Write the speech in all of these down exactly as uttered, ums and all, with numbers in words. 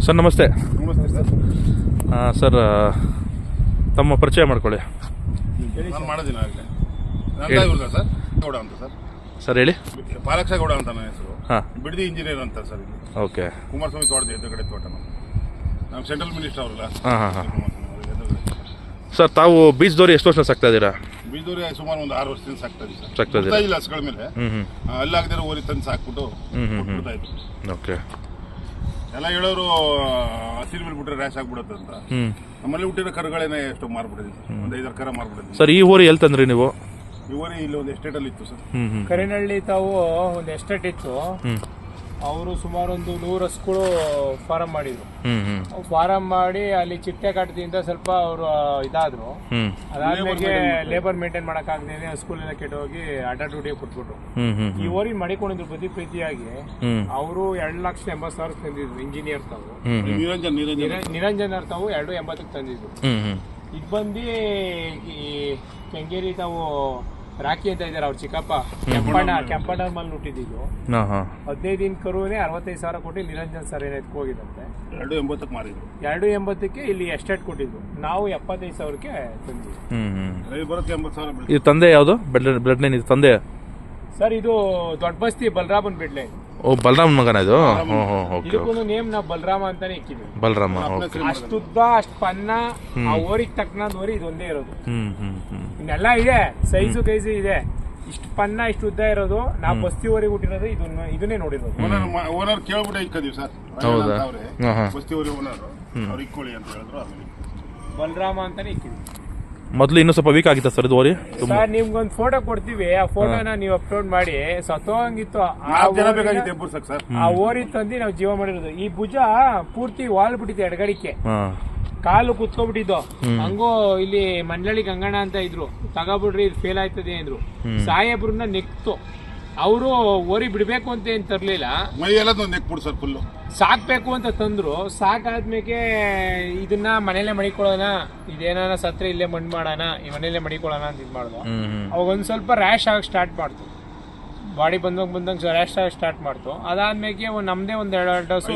Sir ನಮಸ್ತೆ. ನಮಸ್ತೆ sir. Sir ತಮ್ಮ ಪರಿಚಯ ಮಾಡ್ಕೊಳ್ಳಿ. ನಾನು ಮಾಡೋದಿನ ಆಗಲೇ ನನ್ನ ಸರ್ ಗೌಡ ಅಂತ ಸರ್. ಸರ್ ಹೇಳಿ. ಪಾಲಕ್ಷ ಗೌಡ ಅಂತ ನನ್ನ ಹೆಸರು. ಹಾಂ, ಬಿಡದಿ ಇಂಜಿನಿಯರ್ ಅಂತ ಸರ್. ಇಲ್ಲಿ ಓಕೆ. ಕುಮಾರಸ್ವಾಮಿ ತೋಟದ ಎದುರುಗಡೆ ತೋಟ. ನಮ್ಮ ಸೆಂಟ್ರಲ್ ಮಿನಿಸ್ಟರ್ ಅವರಲ್ಲ. ಹಾಂ ಹಾಂ ಹಾಂ ಸರ್, ತಾವು ಬೀಜದೋರಿ ಎಷ್ಟು ವರ್ಷ ಸಾಕ್ತಾ ಇದ್ದೀರಾ? ಬೀಜದೋರಿ ಸುಮಾರು ಒಂದು ಆರು ವರ್ಷದಿಂದ ಸಾಕ್ತಾ ಇದ್ದೀವಿ ಸರ್. ಸಾಕ್ತಾ ಇದ್ದೀರಾ? ಇಲ್ಲ ಹಸುಗಳ ಮೇಲೆ ಹ್ಞೂ ಹ್ಞೂ ಅಲ್ಲಾಗದಿರೋ ಓರಿ ತಂದು ಸಾಕ್ಬಿಟ್ಟು ಕೊಟ್ಬಿಡ್ತಾ ಇತ್ತು. ಓಕೆ. ಎಲ್ಲ ಹೇಳೋರು ಹಸಿರು ಮೇಲೆ ಬಿಟ್ರೆ ರ್ಯಾಶ್ ಆಗ್ಬಿಡುತ್ತೆ ಅಂತ. ಹ್ಞೂ ನಮ್ಮಲ್ಲಿ ಹುಟ್ಟಿರೋ ಕರುಗಳೇನೆ ಎಷ್ಟು ಮಾರ್ಬಿಟ್ಟಿದ್ದೀವಿ. ಒಂದು ಐದಾರು ಕರ ಮಾರ್ಬಿಟ್ಟಿದ್ದೀವಿ ಸರ್. ಈ ಊರು ಎಲ್ಲಿ ತಂದ್ರಿ ನೀವು? ಈ ಊರಿ ಇಲ್ಲಿ ಒಂದು ಎಸ್ಟೇಟಲ್ಲಿ ಇತ್ತು ಸರ್. ಹ್ಞೂ ಹ್ಞೂ ಕರಿನಹಳ್ಳಿ ತಾವು ಒಂದು ಎಸ್ಟೇಟ್ ಇತ್ತು. ಹ್ಞೂ ಅವರು ಸುಮಾರು ಒಂದು ನೂರು ಹಸುಗಳು ಫಾರಂ ಮಾಡಿದ್ರು. ಹ್ಞೂ ಹ್ಞೂ ಫಾರಂ ಮಾಡಿ ಅಲ್ಲಿ ಚಿಟ್ಟೆ ಕಾಟದಿಂದ ಸ್ವಲ್ಪ ಅವರು ಇದಾದ್ರು. ಹ್ಞೂ ಅದಾದ್ಮೇಲೆ ಲೇಬರ್ ಮೇಂಟೈನ್ ಮಾಡಕ್ಕಾಗದೇನೆ ಹಸುಗಳೆಲ್ಲ ಕೆಟ್ಟೋಗಿ ಅಡ್ಡ ಡ್ಯೂಟಿ ಕೊಟ್ಬಿಟ್ರು. ಹ್ಞೂ ಹ್ಞೂ ಈ ಓರಿ ಮಾಡಿಕೊಂಡಿದ್ರು ಬದಿ ಪ್ರೀತಿಯಾಗಿ. ಹ್ಞೂ ಅವರು ಎರಡು ಲಕ್ಷದ ಎಂಬತ್ತು ಸಾವಿರ ತಂದಿದ್ರು. ಇಂಜಿನಿಯರ್ ತಾವು ಹ್ಞೂ ಹ್ಞೂ ನಿರಂಜನ್ ನಿರಂಜನ್ ನಿರಂಜನ್ ಅವ್ರು ತಾವು ಎರಡು ಎಂಬತ್ತಕ್ಕೆ ತಂದಿದ್ರು. ಹ್ಞೂ ಹ್ಞೂ ಇದು ಬಂದು ಈ ಕೆಂಗೇರಿ ತಾವು ರಾಕಿ ಅಂತ ಇದ್ದಾರೆ ಅವ್ರ ಚಿಕ್ಕಪ್ಪ ಕೆಂಪಣ್ಣ ಕೆಂಪಣ್ಣ ಮಲ್ಲಿ ಹುಟ್ಟಿದ್ದು. ಹಾಂ ಹಾಂ ಹದಿನೈದು ದಿನ ಕರುವೇ ಅರವತ್ತೈದು ಸಾವಿರ ಕೊಟ್ಟು ನಿರಂಜನ್ ಸರ್ ಏನಾಯ್ತು ಹೋಗಿದಂತೆ. ಎರಡು ಎಂಬತ್ತಕ್ಕೆ ಮಾರಿದ್ರು. ಎರಡು ಎಂಬತ್ತಕ್ಕೆ ಇಲ್ಲಿ ಎಸ್ಟೇಟ್ ಕೊಟ್ಟಿದ್ರು. ನಾವು ಎಪ್ಪತ್ತೈದು ಸಾವಿರಕ್ಕೆ ತಂದ್ವಿ. ಹ್ಞೂ ಹ್ಞೂ ರವಿ ಬರೋಕ್ಕೆ ಎಂಬತ್ತು ಸಾವಿರ ಬೀಳ್ತು. ಇದು ತಂದೆ ಯಾವುದು? ಬ್ಲಡ್ ಬ್ಲಡ್ ಲೈನ್ ಇದು ತಂದೆ? ಸರ್ ಇದು ದೊಡ್ಡ ಬಸ್ತಿ ಬಲರಾಮನ್ ಬಿಡ್ಲೆ. ಓ, ಬಲರಾಮನ್ ಮಗನ ಇದು? ಹ್ಞೂ ಹ್ಞೂ ಓಕೆ. ಇದಕ್ಕೂ ನೇಮ್ ನಾವು ಬಲರಾಮ ಅಂತಾನೆ ಇಕ್ಕಿದ್ವಿ. ಬಲರಾಮ. ಓಕೆ. ಅಷ್ಟುದ್ದ ಅಷ್ಟು ಪನ್ನ ಆ ಓರಿಗೆ ತಕ್ಕನಾದ ಓರಿ ಇದೊಂದೇ ಇರೋದು. ಹ್ಞೂ ಹ್ಞೂ ಹ್ಞೂ ಇನ್ನೆಲ್ಲ ಇದೆ, ಸೈಜು ಗೈಜು ಇದೆ. ಇಷ್ಟು ಪನ್ನ ಇಷ್ಟು ಉದ್ದ ಇರೋದು ನಾವು ಬಸ್ತಿ ಊರಿಗೆ ಹುಟ್ಟಿರೋದು ಇದನ್ನ ಇದನ್ನೇ ನೋಡಿರೋದು. ಓನರ್ ಓನರ್ ಕೇಳ್ಬಿಟ್ಟು ಇಕ್ಕದೀವಿ ಸರ್. ಹೌದಾ? ಹಾಂ ಹಾಂ ಬಸ್ತಿ ಊರಿ ಓನರ್ ಅವ್ರು ಇಕ್ಕೊಳ್ಳಿ ಅಂತ ಹೇಳಿದ್ರು. ಆಮೇಲೆ ಬಲರಾಮ ಅಂತಾನೆ ಇಕ್ಕಿದ್ವಿ. ಮೊದಲು ಇನ್ನೂ ಸ್ವಲ್ಪ ವೀಕ್ ಆಗಿತ್ತ ಸರ್ ಇದು ಓರಿ? ಸರ್ ನಿಮ್ಗೊಂದು ಫೋಟೋ ಕೊಡ್ತೀವಿ. ಆ ಫೋಟೋನ ನೀವು ಅಪ್ಲೋಡ್ ಮಾಡಿ. ಸತ್ತೋಂಗಿತ್ತು ನಾಲ್ಕು ಜನ ಬೇಕಾಗಿತ್ತು ಎಬ್ಬರ್ಸಕ್ ಸರ್. ಆ ಓರಿ ತಂದು ನಾವು ಜೀವ ಮಾಡಿರೋದು. ಈ ಭುಜ ಪೂರ್ತಿ ವಾಲ್ ಬಿಟ್ಟಿದೆ ಎಡಗಡಿಕೆ. ಹಾಂ, ಕಾಲು ಕುತ್ಕೊಬಿಟ್ಟಿದ್ದು. ಹಂಗೋ ಇಲ್ಲಿ ಮಂಡಳಿ ಗಂಗಣ್ಣ ಅಂತ ಇದ್ರು. ತಗೋಬಿಡ್ರಿ ಇದು ಫೇಲ್ ಆಯ್ತದೆ ಅಂದ್ರು. ಸಾಹೇಬ್ರನ್ನ ನೆಕ್ತು. ಅವರು ಓರಿ ಬಿಡ್ಬೇಕು ಅಂತ ಏನ್ ತರ್ಲಿಲ್ಲ. ಮೈ ಎಲ್ಲ ನೆಕ್ಬಿಡು ಸರ್ ಫುಲ್ಲು. ಸಾಕ್ಬೇಕು ಅಂತ ತಂದ್ರು. ಸಾಕಾದ್ಮೇಲೆ ಇದನ್ನ ಮನೇಲೆ ಮಡಿಕೊಳ್ಳೋಣ, ಇದೇನಾನ ಸತ್ರ ಇಲ್ಲೇ ಮಣ್ಣು ಮಾಡೋಣ, ಈ ಮನೇಲೆ ಮಡಿಕೊಳ್ಳೋಣ ಅಂತ ಇದು ಮಾಡ್ದು. ಅವಾಗ ಒಂದ್ ಸ್ವಲ್ಪ ರ್ಯಾಶ್ ಆಗಿ ಸ್ಟಾರ್ಟ್ ಮಾಡ್ತು. ಬಾಡಿ ಬಂದಂಗ್ ಬಂದಂಗೆ ರ್ಯಾಶ್ ಆಗಿ ಸ್ಟಾರ್ಟ್ ಮಾಡ್ತು. ಅದಾದ್ಮೇಲೆ ಒಂದ್ ನಮ್ದೇ ಒಂದ್ ಎರಡು ಹಸು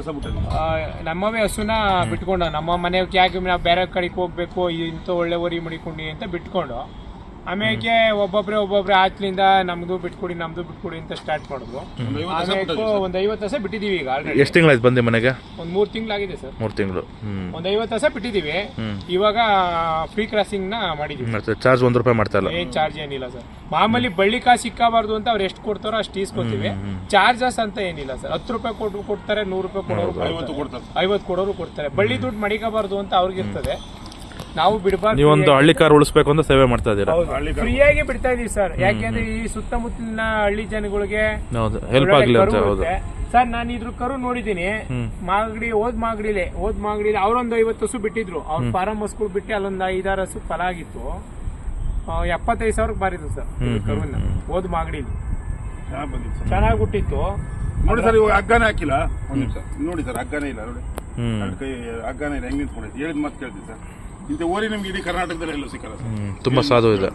ನಮ್ಮವೇ ಹಸುನ ಬಿಟ್ಕೊಂಡು, ನಮ್ಮ ಮನೆ ಯಾಕೆ ನಾವು ಬೇರೆ ಕಡೆಗೆ ಹೋಗ್ಬೇಕು, ಇಂಥ ಒಳ್ಳೆ ಓರಿ ಮಡಿಕೊಂಡಿ ಅಂತ ಬಿಟ್ಕೊಂಡು, ಆಮೇಲೆ ಒಬ್ಬೊಬ್ರೆ ಒಬ್ಬೊಬ್ರೆ ಆಚ್ಲಿಂದ ನಮ್ದು ಬಿಟ್ಕೊಡಿ ನಮ್ದು ಬಿಟ್ಕೊಡಿ ಅಂತ ಸ್ಟಾರ್ಟ್ ಮಾಡಿದ್ರು. ಆಮೇಲೆ ಒಂದ್ ಐವತ್ತು ಹಸ ಬಿಟ್ಟಿದೀವಿ ಈಗ ಆಲ್ರೆಡಿ. ಎಷ್ಟು ತಿಂಗಳಾಯ್ತು ಬಂದೆ ಮನೆಗೆ? ಒಂದ್ ಮೂರ್ ತಿಂಗಳಾಗಿದೆ ಸರ್. ಮೂರು ತಿಂಗಳು. ಒಂದ್ ಐವತ್ತು ಹಸ ಬಿಟ್ಟಿದೀವಿ. ಇವಾಗ ಫ್ರೀ ಕ್ರಾಸಿಂಗ್ ನ ಮಾಡಿದೀವಿ. ಚಾರ್ಜ್ ಒಂದ್ ರೂಪಾಯಿ ಮಾಡ್ತಾ ಇಲ್ಲ? ಏನ್ ಚಾರ್ಜ್ ಏನಿಲ್ಲ ಸರ್. ಮಾಮೂಲಿ ಬಳ್ಳಿ ಕಾಸು ಸಿಕ್ಕಬಾರ್ದು ಅಂತ ಅವ್ರು ಎಷ್ಟು ಕೊಡ್ತಾರೋ ಅಷ್ಟು ಈಸ್ಕೊತೀವಿ. ಚಾರ್ಜಸ್ ಅಂತ ಏನಿಲ್ಲ ಸರ್. ಹತ್ತು ರೂಪಾಯಿ ಕೊಟ್ಟು ಕೊಡ್ತಾರೆ, ನೂರು ರೂಪಾಯಿ ಕೊಡೋರು ಐವತ್ತು ಕೊಡೋರು ಕೊಡ್ತಾರೆ. ಬಳ್ಳಿ ದುಡ್ಡು ಮಡಿಕಬಾರ್ದು ಅಂತ ಅವ್ರಿಗಿರ್ತದೆ. ನಾವು ಬಿಡಬಾರ್ದು. ನೀವೊಂದು ಹಳ್ಳಿ ಕಾರ್ ಉಳಿಸ್ಬೇಕು ಅಂತ ಸೇವೆ ಮಾಡ್ತಾ ಇದ್ದೀರಾ? ಫ್ರೀಯಾಗಿ ಬಿಡ್ತಾ ಇದೀವಿ ಸರ್. ಯಾಕೆಂದ್ರೆ ಈ ಸುತ್ತಮುತ್ತಲಿನ ಹಳ್ಳಿ ಜನಗಳಿಗೆ ಹೆಲ್ಪ್ ಆಗಲಿ ಅಂತ. ಹೌದು ಸರ್, ನಾನು ಇದ್ರ ಕರು ನೋಡಿದೀನಿ. ಮಾಗಡಿ ಓದ್ ಮಾಗಡಿಲೆ ಓದ್ ಮಾಗಡಿಲಿ ಅವ್ರೊಂದು ಐವತ್ತು ಹಸು ಬಿಟ್ಟಿದ್ರು. ಅವ್ರ ಫಾರಂ ಹಸುಗಳು ಬಿಟ್ಟು ಅಲ್ಲೊಂದು ಐದಾರು ಹಸು ಫಲ ಆಗಿತ್ತು. ಎಪ್ಪತ್ತೈದು ಸಾವಿರಕ್ಕೆ ಬಾರಿದ್ರು ಸರ್ ಕರುನ ಓದ್ ಮಾಗಡಿಲಿ. ಚೆನ್ನಾಗಿ ಹುಟ್ಟಿತ್ತು ನೋಡಿ ಸರ್. ಇವಾಗ ಹಗ್ಗನೇ ಹಾಕಿಲ್ಲ. ಒಂದ್ ನಿಮಿಷ ನೋಡಿ ಸರ್, ಹಗ್ಗನೇ ಇಲ್ಲ ನೋಡಿ. ಕೈ ಹಗ್ಗನೇ ಇಲ್ಲ. ಹೆಂಗ್ ನಿಂತ್ಕೊಂಡೈತಿ ಹೇಳಿದ ಮಾತು ಕೇಳ್ತೀವಿ ಸರ್. ಇಂಥ ಓರಿ ನಿಮ್ಗೆ ಇಡೀ ಕರ್ನಾಟಕದಲ್ಲಿ ಎಲ್ಲೂ ಸಿಕ್ಕಲ್ಲ ಸರ್. ತುಂಬಾ ಸಾಧು ಇದೆ.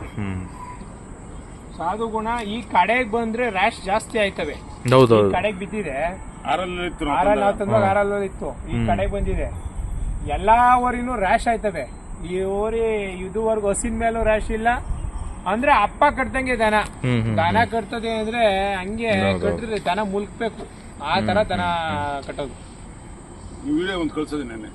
ಸಾಧು ಗುಣ. ಈ ಕಡೆಗೆ ಬಂದ್ರೆ ರ್ಯಾಶ್ ಜಾಸ್ತಿ ಆಯ್ತವೆ. ಕಡೆಗೆ ಬಿದ್ದಿದೆ. ಆರಲ್ಲಿ ನಾವು ತಂದಾಗ ಆರಲ್ಲಿ ಇತ್ತು. ಈ ಕಡೆಗೆ ಬಂದಿದೆ. ಎಲ್ಲಾ ಓರಿನೂ ರ್ಯಾಶ್ ಆಯ್ತವೆ. ಈ ಓರಿ ಇದುವರೆಗೂ ಹಸಿನ ಮೇಲೂ ರ್ಯಾಶ್ ಇಲ್ಲ. ಅಂದ್ರೆ ಅಪ್ಪ ಕಟ್ದಂಗೆ ದನ ದನ ಕಟ್ತದೆ ಅಂದ್ರೆ ಹಂಗೆ ಕಟ್ಟಿದ್ರೆ ದನ ಮುಲ್ಕ್ಬೇಕು. ಆ ತರ ದನ ಕಟ್ಟೋದು. ಈ ವಿಡಿಯೋ ಒಂದು ಕಳ್ಸೋದು ನೆನ್ನೆ.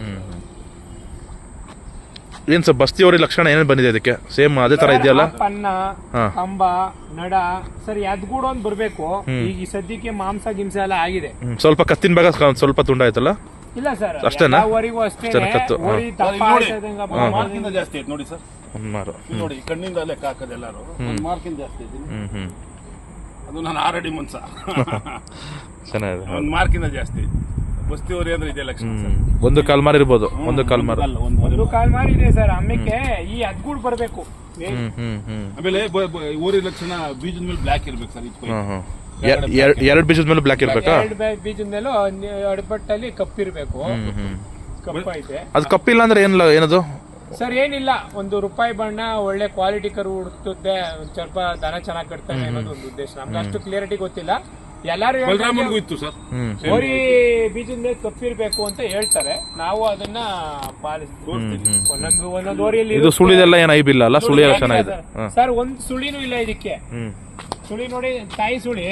ಏನ್ ಸರ್ ಬಸ್ತಿಯವರಿ ಲಕ್ಷಣ ಏನೇನು ಬಂದಿದೆ ಅದಕ್ಕೆ? ಸೇಮ್ ಅದೇ ತರ ಇದೆಯಲ್ಲ? ಪನ್ನ, ಕಂಬ, ನಡ ಸರಿ ಎದ್ಗೂಡ ಒಂದ್ ಬರ್ಬೇಕು. ಈಗ ಈ ಸದ್ಯಕ್ಕೆ ಮಾಂಸ ಗಿಂಸ ಎಲ್ಲ ಆಗಿದೆ. ಸ್ವಲ್ಪ ಕತ್ತಿನ ಭಾಗ ಸ್ವಲ್ಪ ತುಂಡ ಆಯ್ತಲ್ಲ? ಇಲ್ಲ ಸರ್, ಅಷ್ಟೇನಾ? ಓರಿಗೂ ಅಷ್ಟೇ. ಮಾರ್ಕಿಂದ ಜಾಸ್ತಿ ಐತೆ ನೋಡಿ ಸರ್. ನೋಡಿ ಕಣ್ಣಿಂದ ಲೆಕ್ಕ ಹಾಕೋದು ಎಲ್ಲಾರು ಮಾರ್ಕಿಂದ ಜಾಸ್ತಿ ಐತಿ. ಅದು ನಾನು ಆರಡಿ ಮನ್ಸ. ಚೆನ್ನಾಗಿದೆ. ಒಂದ್ ಮಾರ್ಕಿಂದ ಜಾಸ್ತಿ. ಬಸ್ತಿ ಓರಿ ಅಂದ್ರೆ ಇದೆ ಲಕ್ಷಣ. ಒಂದು ಕಾಲ್ ಮಾರಿ ಇರ್ಬೋದು. ಒಂದು ಕಾಲ್ ಮಾರಿ ಒಂದು ಕಾಲ್ ಮಾರಿ ಇದೆ ಸರ್. ಆಮೇಲೆ ಈ ಅದ್ಗೂಡ್ ಬರ್ಬೇಕು. ಆಮೇಲೆ ಓರಿ ಲಕ್ಷಣ ಬೀಜದ ಮೇಲೆ ಬ್ಲಾಕ್ ಇರ್ಬೇಕು ಸರ್. ಎರಡು ಬೀಜದ ಮೇಲೆ ಬ್ಲಾಕ್ ಇರ್ಬೇಕಾ? ಎರಡು ಬೀಜದ ಮೇಲೂ ಅಡ್ಬಟ್ಟಲ್ಲಿ ಕಪ್ಪಿರ್ಬೇಕು. ಕಪ್ಪ ಐತೆ. ಅದು ಕಪ್ಪಿಲ್ಲ ಅಂದ್ರೆ ಏನಿಲ್ಲ ಏನದು ಸರ್? ಏನಿಲ್ಲ, ಒಂದು ರೂಪಾಯಿ ಬಣ್ಣ ಒಳ್ಳೆ ಕ್ವಾಲಿಟಿ ಕರು ಹುಡುಕ್ತದೆ. ಒಂದ್ ಸ್ವಲ್ಪ ದನ ಚೆನ್ನಾಗಿ ಕಟ್ತಾನೆ ಅನ್ನೋದು ಒಂದು ಉದ್ದೇಶ. ನಮ್ಗೆ ಅಷ್ಟು ಕ್ಲಿಯರಿಟಿ ಗೊತ್ತಿಲ್ಲ. ಎಲ್ಲಾರು ಬಲರಾಮನ್ಗೂ ಇತ್ತು ಸರ್. ಹ್ಮ್ ಓರಿ ಬೀಜದ ಮೇಲೆ ತಪ್ಪಿರ್ಬೇಕು ಅಂತ ಹೇಳ್ತಾರೆ, ನಾವು ಅದನ್ನ ಪಾಲಿಸ್ತೀವಿ. ಒಂದೊಂದು ಒಂದೊಂದು ಓರಿಯಲ್ಲಿ ಇದು ಸುಳಿದೆಲ್ಲ ಏನು ಐಬಿಲ್ಲ ಅಲ್ಲ, ಸುಳಿ ಎಲ್ಲ ಚೆನ್ನಾಗಿದೆ. ಸರ್ ಒಂದ್ ಸುಳಿನೂ ಇಲ್ಲ ಇದಕ್ಕೆ. ಹ್ಮ್ ಸುಳಿ ನೋಡಿ, ತಾಯಿ ಸುಳಿ.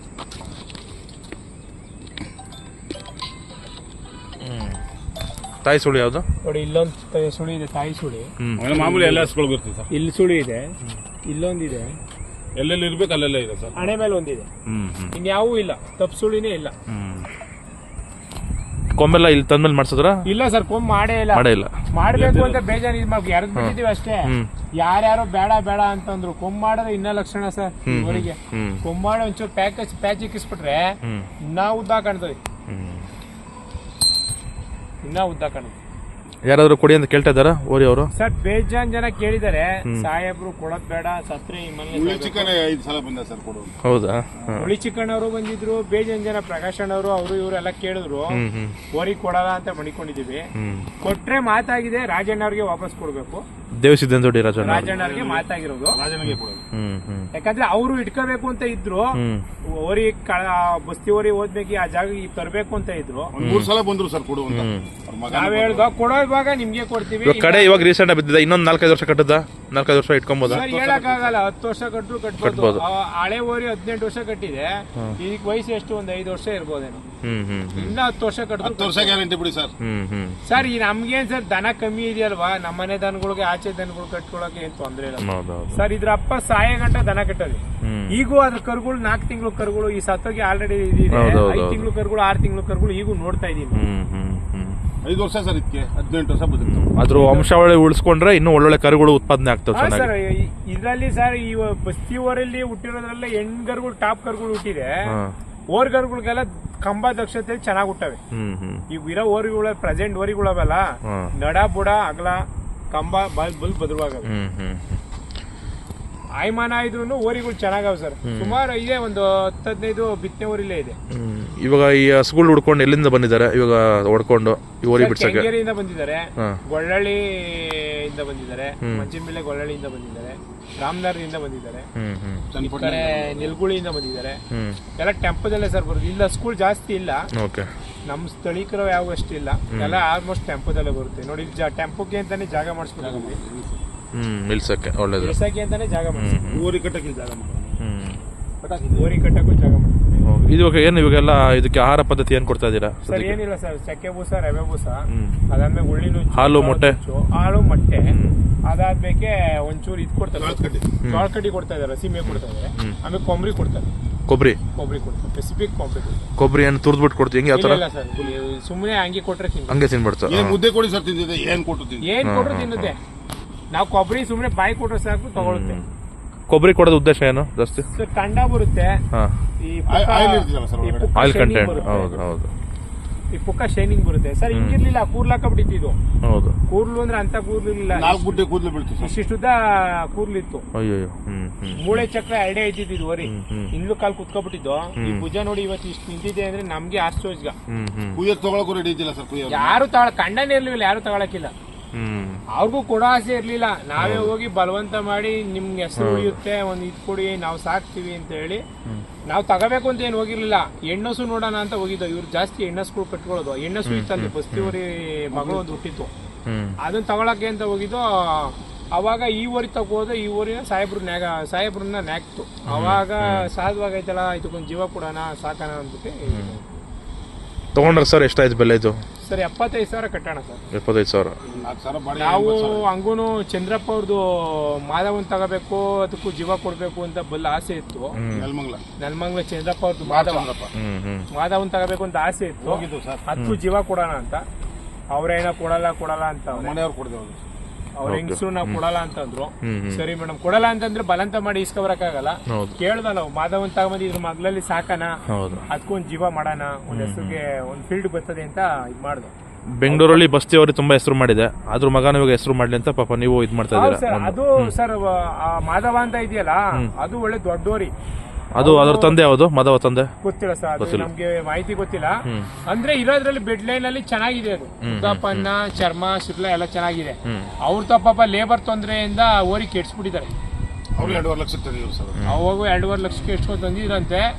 ಹ್ಮ್ ತಾಯಿ ಸುಳಿ ಯಾವುದು ನೋಡಿ, ಇಲ್ಲೊಂದು ಸುಳಿ ಇದೆ, ತಾಯಿ ಸುಳಿ. ಮಾಮೂಲಿ ಎಲ್ಲ ಹಸ್ಗಳು ಬರ್ತದೆ ಸರ್. ಇಲ್ಲಿ ಸುಳಿ ಇದೆ, ಇಲ್ಲೊಂದಿದೆ, ಎಲ್ಲೆಲ್ಲಿ ಇರ್ಬೇಕು ಅಲ್ಲೆಲ್ಲ ಇದೆ ಸರ್. ಹಣೆ ಮೇಲೆ ಒಂದಿದೆ, ಹ್ಮ್ ಹ್ಮ್ ಇನ್ಯಾವೂ ಇಲ್ಲ, ತಪ್ಪು ಸುಳಿನೇ ಇಲ್ಲ. ಹ್ಮ್ ಕೊಂಬೆಲ್ಲ ಇಲ್ಲಿ ತಂದ್ಮೇಲೆ ಮಾಡ್ಸಿದ್ರ? ಇಲ್ಲ ಸರ್, ಕೊಂಬ್ ಮಾಡೇ ಇಲ್ಲ. ಮಾಡೇ ಇಲ್ಲ. ಮಾಡ್ಬೇಕು ಅಂತ ಬೇಜಾನ್ ಇದ್ ಮಾಡ್ಬೇಕು, ಯಾರು ಬಿಟ್ಟಿದೀವಿ ಅಷ್ಟೇ. ಹ್ಮ್ ಯಾರ್ಯಾರೋ ಬೇಡ ಬೇಡ ಅಂತಂದ್ರು. ಕೊಂಬ್ ಮಾಡಿದ್ರೆ ಇನ್ನ ಲಕ್ಷಣ ಸರ್ ಇವರಿಗೆ. ಹ್ಮ್ ಕೊಂಬ್ ಮಾಡಿ ಒಂಚೂರು ಪ್ಯಾಕ್ ಪ್ಯಾಚ್ ಇಕ್ಕಿಸ್ಬಿಟ್ರೆ ಹ್ಮ್ ಇನ್ನ ಉದ್ದ ಕಾಣ್ತದೆ, ಹ್ಮ್ ಇನ್ನ ಉದ್ದ ಕಾಣ್ತದೆ. ಯಾರಾದ್ರೂ ಕೊಡಿ ಅಂತ ಕೇಳ್ತಾ ಇದ್ದಾರಾ ಓರಿ ಅವರು? ಸರ್ ಬೇಜಾನ್ ಜನ ಕೇಳಿದಾರೆ, ಸಾಹೇಬ್ರು ಕೊಡೋದ್ ಬೇಡ, ಸತ್ರೆ ಈ ಹುಳಿ ಚಿಕನ್ ಐದು ಸಲ ಬಂದ ಸರ್ ಕೊಡೋದು. ಹೌದಾ? ಹುಳಿ ಚಿಕನ್ ಅವರು ಬಂದಿದ್ರು, ಬೇಜಾನ್ ಜನ ಪ್ರಕಾಶ್ ಅಣ್ಣವರು ಅವರು ಇವರೆಲ್ಲ ಕೇಳಿದ್ರು. ಹ್ಮ್ ಹ್ಮ್ ಓರಿ ಕೊಡಲ್ಲ ಅಂತ ಮಡಿಕೊಂಡಿದೀವಿ. ಹ್ಮ್ ಕೊಟ್ರೆ ಮಾತಾಗಿದೆ, ರಾಜಣ್ಣ ಅವ್ರಿಗೆ ವಾಪಸ್ ಕೊಡ್ಬೇಕು. ದೇವಸಿದ್ದೇಂದೋಡಿ ರಾಜಣ್ಣ ರಾಜಣ್ಣ ಅವ್ರಿಗೆ ಮಾತಾಗಿರೋದು. ರಾಜನಿಗೆ ಕೊಡೋದು. ಹ್ಮ್ ಹ್ಮ್ ಯಾಕಂದ್ರೆ ಅವರು ಇಟ್ಕೋಬೇಕು ಅಂತ ಇದ್ರು. ಹ್ಮ್ ಓರಿ ಬಸ್ತಿ ಓರಿ ಹೋದ್ಮೇಲೆ ಆ ಜಾಗ ತರಬೇಕು ಅಂತ ಇದ್ರು. ಒಂದ್ ಮೂರ್ ಸಲ ಬಂದ್ರು ಸರ್ ಕೊಡು ಅಂತ. ಅವ್ರ ಮಗ ನಾವ್ ಹೇಳ್ದ ಕೊಡೋ ಇವಾಗ ನಿಮ್ಗೆ ಕೊಡ್ತೀವಿ. ಇವಾಗ ಕಡೆ ಇವಾಗ ರೀಸೆಂಟ್ ಬಿದ್ದಿದೆ, ಇನ್ನೊಂದ್ ನಾಲ್ಕೈದು ವರ್ಷ ಕಟ್ಟದ, ನಾಲ್ಕೈದು ವರ್ಷ ಇಟ್ಕೊಬೋದಾ? ಸರ್ ಹೇಳಕ್ ಆಗಲ್ಲ, ಹತ್ತು ವರ್ಷ ಕಟ್ಟರು ಕಟ್ಬೋದು. ಆ ಹಳೆ ಓರಿ ಹದಿನೆಂಟು ವರ್ಷ ಕಟ್ಟಿದೆ, ಇದಕ್ ವಯಸ್ಸು ಎಷ್ಟು ಒಂದ್ ಐದು ವರ್ಷ ಇರ್ಬೋದೇನೋ. ಹ್ಮ್ ಹ್ಮ್ ಇನ್ನ ಹತ್ತು ವರ್ಷ ಹತ್ತು ಕಟ್ಟಿದ್ರು ವರ್ಷ ಗ್ಯಾರಂಟಿ ಬಿಡಿ ಸರ್. ಹ್ಮ್ ಹ್ಮ್ ಸರ್. ಈ ನಮ್ಗೇನ್ ಸರ್ ದನ ಕಮ್ಮಿ ಇದೆಯಲ್ವಾ, ನಮ್ಮನೆ ದನಗಳಿಗೆ ಆಚೆ ದನಗಳು ಕಟ್ಕೊಳಕ್ಕೆ ಏನ್ ತೊಂದ್ರೆ ಇಲ್ಲ ಹೌದೌದು. ಸರ್. ಇದ್ರ ಅಪ್ಪ ಸಾಯ ಗಂಟ ದನ ಕಟ್ಟೋದು. ಹ್ಮ್ ಈಗೂ ಅದ್ರ ಕರುಗಳು ನಾಲ್ಕು ತಿಂಗಳು ಕರುಗಳು ಈ ಸತ್ತೋಗಿ ಆಲ್ರೆಡಿ ಇದಿದೆ. ಹೌದೌದು. ಐದು ತಿಂಗಳು ಕರುಗಳು, ಆರು ತಿಂಗಳು ಕರುಗಳು ಈಗೂ ನೋಡ್ತಾ ಇದೀನಿ. ಹ್ಮ್ ಹ್ಮ್ ಹ್ಮ್ ಐದು ವರ್ಷ ಸರ್, ಇದಕ್ಕೆ ಹದಿನೆಂಟು ವರ್ಷ ಬದುಕ್ತು. ಅದ್ರ ವಂಶಾವಳಿ ಉಳಿಸ್ಕೊಂಡ್ರೆ ಇನ್ನೂ ಒಳ್ಳೊಳ್ಳೆ ಕರುಗಳು ಉತ್ಪಾದನೆ ಆಗ್ತವೆ ಹಾ ಚೆನ್ನಾಗಿ. ಸರ್, ಇದ್ರಲ್ಲಿ ಸರ್ ಈ ಬಸ್ತಿ ಊರಲ್ಲಿ ಹುಟ್ಟಿರೋದ್ರಲ್ಲ ಹೆಣ್ ಕರುಗಳು ಟಾಪ್ ಕರುಗಳು ಹುಟ್ಟಿದೆ. ಹಾ. ಓರ್ ಕರುಗಳಿಗೆಲ್ಲ ಕಂಬ ದಕ್ಷತೆಯಲ್ಲಿ ಚೆನ್ನಾಗಿ ಹುಟ್ಟವೆ. ಹ್ಮ್ ಹ್ಮ್ ಈಗ ಇರೋ ಓರಿಗಳ ಪ್ರೆಸೆಂಟ್ ಓರಿಗಳವಲ್ಲ, ಹಾ. ನಡ ಬುಡ ಅಗಲ ಕಂಬ ಬಲ್ ಬಲ್ ಬದ್ರವಾಗವೆ. ಹ್ಮ್ ಹ್ಮ್ ಆಯ್ಮಾನ ಇದ್ರು ಓರಿಗಳು ಚೆನ್ನಾಗವ ಸರ್. ಸುಮಾರು ಇದೆ, ಒಂದು ಹತ್ತು ಹದಿನೈದು ಬಿತ್ತನೆ ಓರಿಲೇ ಇದೆ. ಹ್ಮ್ ಇವಾಗ ಈ ಹಸುಗಳು ಹುಡ್ಕೊಂಡು ಎಲ್ಲಿಂದ ಬಂದಿದ್ದಾರೆ ಇವಾಗ ಹೊಡ್ಕೊಂಡು ಈ ಓರಿ ಬಿಡ್ಸಕ್ಕೆ? ಕೆಂಗೇರಿಯಿಂದ ಬಂದಿದ್ದಾರೆ, ಹಾ. ಗೊಳ್ಳಳ್ಳಿಯಿಂದ ಬಂದಿದ್ದಾರೆ, ಮಂಚಿನಬಿಲ್ಲೆ ಗೊಳ್ಳಳ್ಳಿಯಿಂದ ಬಂದಿದ್ದಾರೆ, ರಾಮನಗರದಿಂದ ಬಂದಿದ್ದಾರೆ, ಹ್ಮ್ ಹ್ಮ್ ಈ ಕಡೆ ನಿಲ್ಗುಳಿಯಿಂದ ಬಂದಿದ್ದಾರೆ. ಹ್ಮ್ ಎಲ್ಲ ಟೆಂಪೋದಲ್ಲೇ ಸರ್ ಬರುತ್ತೆ. ಇಲ್ಲ ಸ್ಕೂಲ್ ಜಾಸ್ತಿ ಇಲ್ಲ, ಓಕೆ. ನಮ್ ಸ್ಥಳೀಕರು ಯಾವ ಅಷ್ಟಿಲ್ಲ, ಎಲ್ಲ ಆಲ್ಮೋಸ್ಟ್ ಟೆಂಪೋದಲ್ಲೇ ಬರುತ್ತೆ. ನೋಡಿ ಟೆಂಪೋಗೆ ಅಂತಾನೆ ಜಾಗ ಮಾಡಿಸ್ಬಿಟ್ಟಿದ್ವಿ, ಹ್ಮ್ ನಿಲ್ಸಕ್ಕೆ ಒಳ್ಳೇದು. ಇಳಿಸಕ್ಕೆ ಅಂತಾನೆ ಜಾಗ ಮಾಡಿಸ್ತೀವಿ. ಊರಿ ಕಟ್ಟಕ್ಕೆ ಜಾಗ ಮಾಡಿ. ಹ್ಮ್ ಓರಿ ಕಟ್ಟಕ್ಕೂ ಜಾಗ ಮಾಡ್ತೀವಿ. ಇದು ಇವಾಗ ಏನು ಇವಾಗೆಲ್ಲ ಇದಕ್ಕೆ ಆಹಾರ ಪದ್ಧತಿ ಏನ್ ಕೊಡ್ತಾ ಇದ್ದೀರಾ? ಸರ್ ಏನಿಲ್ಲ ಸರ್, ಚಕ್ಕೆ ಬೂಸ, ರವೆ ಬೂಸ, ಹ್ಮ್ ಅದಾದ್ಮೇಲೆ ಉಳ್ಳಿ ನುಚ್ಚು, ಹಾಲು, ಮೊಟ್ಟೆ. ಹಾಲು ಮೊಟ್ಟೆ, ಅದಾದ್ಮೇಲೆ ಒಂಚೂರು ಇದು ಕೊಡ್ತಾರೆ, ಜೋಳ ಕಡ್ಡಿ ಕೊಡ್ತಾ ಇದಾರೆ, ಸೀಮೆ ಕೊಡ್ತಾ ಇದಾರೆ, ಆಮೇಲೆ ಕೊಬ್ಬರಿ ಕೊಡ್ತಾರೆ. ಕೊಬ್ಬರಿ ಕೊಬ್ಬರಿ ಕೊಡ್ತಾರೆ, ಸ್ಪೆಸಿಫಿಕ್ ಕೊಬ್ಬರಿ ಕೊಡ್ತಾರೆ. ಕೊಬ್ಬರಿ ಏನು ತುರ್ದ್ಬಿಟ್ಟು ಕೊಡ್ತೀವಿ ಹೆಂಗೆ? ಯಾವ ಥರ? ಇಲ್ಲ ಸರ್, ಸುಮ್ಮನೆ ಹಂಗೆ ಕೊಟ್ರೆ ತಿಂದು ಹಂಗೆ ತಿನ್ಬಿಡ್ತಾರೆ. ಏನ್ ಮುದ್ದೆ ಕೊಡಿ ಸರ್, ತಿಂದಿದೆ ಏನ್ ಕೊಟ್ಟು ತಿಂದಿದೆ? ಏನ್ ಕೊಟ್ರು ತಿನ್ನುತ್ತೆ. ನಾವು ಕೊಬ್ಬರಿ ಸುಮ್ಮನೆ ಬಾಯಿ ಕೊಟ್ರೆ ಸಾಕು ತಗೊಳುತ್ತೆ. ಕೊಬ್ಬರಿ ಕೊಡೋದು ಉದ್ದೇಶ ಏನು ಜಾಸ್ತಿ? ಸರ್ ಕಂಡ ಬರುತ್ತೆ, ಹಾ. ಈ ಆಯಿಲ್ ಇರ್ತಿದಲ್ಲ ಸರ್ ಒಳಗಡೆ. Oil content. ಹೌದು ಹೌದು. ಈ ಪುಕ್ಕ ಶೈನಿಂಗ್ ಬರುತ್ತೆ ಸರ್. ಹಿಂಗಿರ್ಲಿಲ್ಲ, ಕೂರ್ಲಾಕ ಬಿಟ್ಟಿದ್ದು. ಹೌದು. ಕೂರ್ಲು ಅಂದ್ರೆ ಅಂತ ಕೂರ್ಲಿಲ್ಲ, ನಾಲ್ಕು ಗುಡ್ಡೆ ಕೂದಲು ಬೀಳ್ತು ಸರ್. ಇಷ್ಟಿಷ್ಟುದ್ದ ಕೂರ್ಲಿತ್ತು. ಅಯ್ಯೋ. ಹ್ಮ್ ಹ್ಮ್ ಮೂಳೆ ಚಕ್ರ ಎರಡೇ ಐತಿದ್ದು ವರಿ, ಹ್ಮ್. ಇನ್ಲು ಕಾಲ್ ಕುತ್ಕೊಬಿಟ್ಟಿದ್ದು. ಈ ಭುಜ ನೋಡಿ ಇವತ್ತು ಇಷ್ಟು ನಿಂತಿದೆ ಅಂದ್ರೆ ನಮ್ಗೆ ಆಶ್ಚರ್ಯ. ಹ್ಮ್ ಹ್ಮ್ ಕುಯ್ಯೋದು ತಗೊಳಕ್ಕೂ ರೆಡಿ ಇದ್ದಿಲ್ಲ ಸರ್. ಕುಯ್ಯೋದು ಯಾರು ತಗೊಳ ಕಂಡನೇ ಇರ್ಲಿಲ್ಲ, ಯಾರು ತಗೊಳಕಿಲ್ಲ. ಹ್ಮ್ ಅವ್ರಿಗೂ ಕೊಡೋ ಆಸೆ ಇರ್ಲಿಲ್ಲ. ನಾವೇ ಹೋಗಿ ಬಲವಂತ ಮಾಡಿ ನಿಮ್ಗೆ ಹೆಸರು ಉಳಿಯುತ್ತೆ, ಒಂದ್ ಇದ್ ಕೊಡಿ, ನಾವು ಸಾಕ್ತಿವಿ ಅಂತ ಹೇಳಿ ನಾವು ತಗೋಬೇಕು ಅಂತ ಏನು ಹೋಗಿರ್ಲಿಲ್ಲ. ಹೆಣ್ಣಸು ನೋಡೋಣ ಅಂತ ಹೋಗಿದ್ದು. ಇವ್ರು ಜಾಸ್ತಿ ಹೆಣ್ಣಸ್ಗಳು ಕಟ್ಕೊಳ್ಳೋದು. ಹೆಣ್ಣಸು ಇತ್ತಲ್ಲಿ ಬಸ್ತಿ ಊರಿ ಮಗಳು ಒಂದು ಹುಟ್ಟಿತ್ತು, ಹ್ಮ್ ಅದನ್ನ ತಗೊಳಕ್ಕೆ ಅಂತ ಹೋಗಿದ್ದು. ಅವಾಗ ಈ ಊರಿಗೆ ತಗೋದು, ಈ ಊರಿನ ಸಾಹೇಬ್ರು ನ್ಯಾಗ ಸಾಹೇಬ್ರನ್ನ ನ್ಯಾಕ್ತು. ಅವಾಗ ಸಾಧವಾಗೈತಲ್ಲ, ಇದಕ್ಕೊಂದು ಜೀವ ಕೊಡೋಣ, ಸಾಕೋಣ ಅಂದ್ಬಿಟ್ಟು ತಗೊಂಡ್ರ ಸರ್? ಎಷ್ಟಾಯ್ತು ಬೆಲೆ ಇದು? ಸರ್ ಎಪ್ಪತ್ತೈದು ಸಾವಿರ ಕಟ್ಟೋಣ ಸರ್. ಎಪ್ಪತ್ತೈದು ಸಾವಿರ. ನಾಲ್ಕು ಸಾವಿರ ಬಾಡಿ. ನಾವು ಹಂಗೂನು ಚಂದ್ರಪ್ಪ ಅವ್ರದ್ದು ಮಾಧವನ್ ತಗೋಬೇಕು, ಅದಕ್ಕೂ ಜೀವ ಕೊಡ್ಬೇಕು ಅಂತ ಬಲ್ಲ ಆಸೆ ಇತ್ತು. ನೆಲಮಂಗಲ ನೆಲಮಂಗಲ ಚಂದ್ರಪ್ಪ ಅವ್ರದ್ದು ಮಾಧವ ಮಾಧವನ್ ತಗೋಬೇಕು ಅಂತ ಆಸೆ ಇತ್ತು. ಹೋಗಿದ್ದು ಸರ್. ಅದಕ್ಕೂ ಜೀವ ಕೊಡೋಣ ಅಂತ. ಅವ್ರೇನೋ ಕೊಡಲ್ಲ ಕೊಡಲ್ಲ ಅಂತ ಮನೆಯವ್ರು ಕೊಡ್ದೇವು. ಅವ್ರ ಹೆಂಗಸರು ನಾವು ಕೊಡಲ್ಲ ಅಂತಂದ್ರು. ಸರಿ ಮೇಡಮ್ ಕೊಡಲ್ಲ ಅಂತಂದ್ರೆ ಬಲಂತ ಮಾಡಿ ಇಸ್ಕೊಬರಕ್ಕಾಗಲ್ಲ. ಕೇಳ್ದ ನಾವು ಮಾಧವನ್ ತಗೊಂಬಂದು ಇದ್ರ ಮಗ್ಲಲ್ಲಿ ಸಾಕಣ, ಅದಕ್ಕೊಂದ್ ಜೀವ ಮಾಡೋಣ, ಒಂದ್ ಹೆಸರಿಗೆ ಒಂದ್ ಫೀಲ್ಡ್ ಬರ್ತದೆ ಅಂತ ಇದ್ ಮಾಡ್ದು. ಬೆಂಗಳೂರಲ್ಲಿ ಬಸ್ತಿ ಅವ್ರಿಗೆ ತುಂಬಾ ಹೆಸರು ಮಾಡಿದೆ, ಅದ್ರ ಮಗನ ಇವಾಗ ಹೆಸರು ಮಾಡ್ಲಿ ಅಂತ ಪಾಪ ನೀವು ಇದ್ ಮಾಡ್ತಾ ಇದ್ದೀರಾ. ಅದು ಸರ್ ಮಾಧವ ಅಂತ ಇದೆಯಲ್ಲ, ಅದು ಒಳ್ಳೆ ದೊಡ್ಡೋರಿ. ಅದು ಅದ್ರ ತಂದೆ ಯಾವುದು? ಮಾಧವ ತಂದೆ ಗೊತ್ತಿಲ್ಲ ಸರ್, ಅದು ನಮ್ಗೆ ಮಾಹಿತಿ ಗೊತ್ತಿಲ್ಲ. ಅಂದ್ರೆ ಇರೋದ್ರಲ್ಲಿ ಬೆಡ್ ಲೈನ್ ಅಲ್ಲಿ ಚೆನ್ನಾಗಿದೆ, ಅದು ಉದ್ದಪ್ಪನ್ನ ಚರ್ಮ ಶಿರ್ಲ ಎಲ್ಲ ಚೆನ್ನಾಗಿದೆ. ಅವ್ರ ತಪ್ಪ ಲೇಬರ್ ತೊಂದರೆಯಿಂದ ಓರಿ ಕೆಡ್ಸ್ಬಿಟ್ಟಿದ್ದಾರೆ. ಅವ್ರು ಎರಡೂವರೆ ಲಕ್ಷ ತಂದಿದ್ರು ಸರ್. ಅವಾಗ ಎರಡೂವರೆ ಲಕ್ಷಕ್ಕೆ ಎಷ್ಟೋ ತಂದಿದ್ರಂತೆ.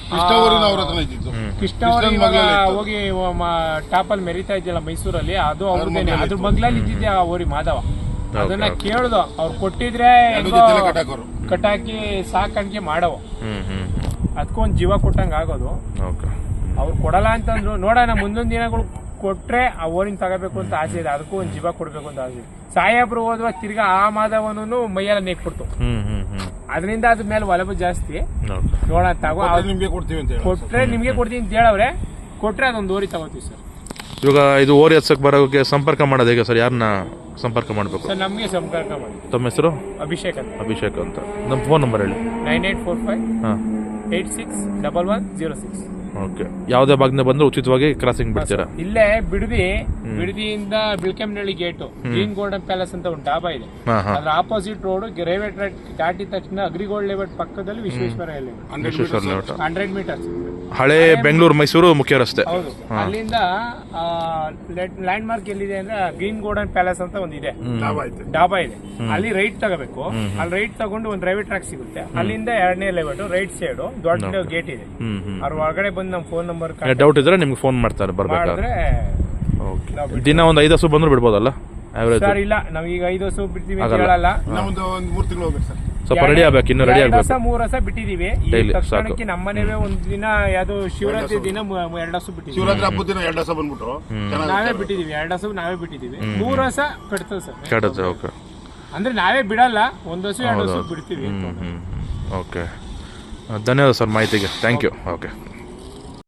ಕೃಷ್ಣ ಊರಿನ ಅವ್ರ ಹತ್ರ ಇದ್ದಿದ್ದು. ಕೃಷ್ಣ ಅವರು ಇವಾಗ ಹೋಗಿ ಟಾಪಲ್ಲಿ ಮೆರಿತಾ ಇದೆಯಲ್ಲ ಮೈಸೂರಲ್ಲಿ, ಅದು ಅವ್ರದ್ದೇನೆ. ಅದ್ರ ಮಗ್ಲಲ್ಲಿ ಇದ್ದಿದ್ದೆ ಆ ಊರಿ ಮಾಧವ. ಅದನ್ನ ಕೇಳ್ದು ಅವ್ರು ಕೊಟ್ಟಿದ್ರೆ ಕಟಾಕಿ ಸಾಕಾಣಿಕೆ ಮಾಡವ, ಅದಕ್ಕೊಂದು ಜೀವ ಕೊಟ್ಟಂಗ ಆಗೋದು. ಅವ್ರು ಕೊಡಲ್ಲ ಅಂತಂದ್ರು, ನೋಡೋಣ ಮುಂದೊಂದು ದಿನಗಳು ಕೊಟ್ರೆ ಆ ಊರಿನ ತಗೋಬೇಕು ಅಂತ ಆಸೆ ಇದೆ, ಅದಕ್ಕೂ ಒಂದು ಜೀವ ಕೊಡ್ಬೇಕು ಅಂತ ಆಸೆ ಇದೆ. ಸಾಹೇಬ್ರು ಹೋದ್ವ ತಿರ್ಗಾ ಆ ಮಾಧವನು ಮೈಯೆಲ್ಲ ನೆಕ್ಬಿಡ್ತು, ಅದರಿಂದ ಅದ್ರ ಮೇಲೆ ಒಲವು ಜಾಸ್ತಿ. ನೋಡೋಣ ತಗೋ, ನಿಮ್ಗೆ ಕೊಡ್ತೀವಿ ಅಂತ ಕೊಟ್ರೆ ನಿಮ್ಗೆ ಕೊಡ್ತೀವಿ ಅಂತ ಹೇಳವ್ರೆ, ಕೊಟ್ರೆ ಅದೊಂದು ಓರಿ ತಗೋತೀವಿ ಸರ್. ಇವಾಗ ಇದು ಓರಿ ಹಚ್ಚಕ್ ಬರೋಕೆ ಸಂಪರ್ಕ ಮಾಡೋದು ಹೇಗೆ ಸರ್? ಯಾರನ್ನ ಸಂಪರ್ಕ ಮಾಡಬೇಕು ಸರ್? ನಮಗೆ ಸಂಪರ್ಕ ಮಾಡಿ. ತಮ್ಮ ಹೆಸರು? ಅಭಿಷೇಕ್ ಅಂತ. ಅಭಿಷೇಕ್ ಅಂತ. ನಮ್ಮ ಫೋನ್ ನಂಬರ್ ಹೇಳಿ. Nine eight four five eight six double one zero six. Okay. ಯಾವುದೇ ಭಾಗದಿಂದ ಬಂದ್ರೆ ಉಚಿತವಾಗಿ ಕ್ರಾಸಿಂಗ್ ಬಿಡ್ತೀರಾ? ಇಲ್ಲೇ ಬಿಡದಿ, ಬಿಡದಿಯಿಂದ Bilkembanahalli gate green golden palace ಅಂತ ಒಂದು ಡಾಬಾ ಇದೆ, ಅದ್ರ ಆಪೋಸಿಟ್ ರೋಡ್ ರೈಲ್ವೆ ಟ್ರ್ಯಾಕ್ ದಾಟಿದ ತಕ್ಷಣ ಅಗ್ರಿಗೋಲ್ಡ್ ಲೇಔಟ್ ಪಕ್ಕದಲ್ಲಿ ವಿಶ್ವೇಶ್ವರ ಲೇಔಟ್, ಹಂಡ್ರೆಡ್ ಮೀಟರ್ಸ್. ಹಳೆ ಬೆಂಗಳೂರು ಮೈಸೂರು ಮುಖ್ಯ ರಸ್ತೆ. ಹೌದು. ಅಲ್ಲಿಂದ ಲ್ಯಾಂಡ್ ಮಾರ್ಕ್ ಎಲ್ಲಿದೆ ಅಂದ್ರೆ ಗ್ರೀನ್ ಗೋಲ್ಡನ್ ಪ್ಯಾಲೇಸ್ ಅಂತ ಒಂದಿದೆ, ಡಾಬಾ ಇದೆ. ಅಲ್ಲಿ ರೈಟ್ ತಗೋಬೇಕು. ಅಲ್ಲಿ ರೈಟ್ ತಗೊಂಡು ಒಂದು ರೈಲ್ವೆ ಟ್ರ್ಯಾಕ್ ಸಿಗುತ್ತೆ, ಅಲ್ಲಿಂದ ಎರಡನೇ ಲೇಔಟ್ ರೈಟ್ ಸೈಡ್ ದೊಡ್ಡ ಗೇಟ್ ಇದೆ. ಅವ್ರ ಒಳಗಡೆ ಬಂದು ನಮ್ಮ ಫೋನ್ ನಂಬರ್ ಡೌಟ್ ಇದ್ರೆ ನಿಮ್ಗೆ ಫೋನ್ ಮಾಡ್ತಾರೆ ಬರ್ಬೇಕಾದ್ರೆ. ದಿನ ಒಂದು ಐದು ಹಸು ಬಂದ್ರು ಬಿಡ್ಬೋದಲ್ಲ ಸರ್? ಇಲ್ಲ, ನಾವೀಗ ಐದು ಹಸು ಬಿಡ್ತೀವಿ ಅಂತ ಹೇಳಲ್ಲ, ಸ್ವಲ್ಪ ರೆಡಿ ಆಗ್ಬೇಕು, ಇನ್ನು ರೆಡಿ ಆಗ್ಬೇಕು. ಮೂರ್ ಹಸ ಬಿಟ್ಟಿದೀವಿ ಈ ತಕ್ಷಣಕ್ಕೆ. ನಮ್ಮನೇವೇ ಒಂದ್ ದಿನ ಯಾವ್ದು ಶಿವರಾತ್ರಿ ದಿನ ಎರಡು ಹಸು ಬಿಟ್ಟಿದ್ವಿ, ಶಿವರಾತ್ರಿ ಹಬ್ಬದ ದಿನ ಎರಡು ಹಸ ಬಂದ್ಬಿಟ್ರು, ನಾವೇ ಬಿಟ್ಟಿದೀವಿ. ಎರಡು ಹಸು ನಾವೇ ಬಿಟ್ಟಿದೀವಿ, ಮೂರ್ ಹಸ ಕಟ್ತದೆ ಸರ್. ಕಟ್ತದೆ. ಓಕೆ. ಅಂದ್ರೆ ನಾವೇ ಬಿಡಲ್ಲ, ಒಂದ್ ಹಸು ಎರಡು ಹಸು ಬಿಡ್ತೀವಿ. ಓಕೆ. ಧನ್ಯವಾದ ಸರ್ ಮಾಹಿತಿಗೆ. Thank you. ಓಕೆ.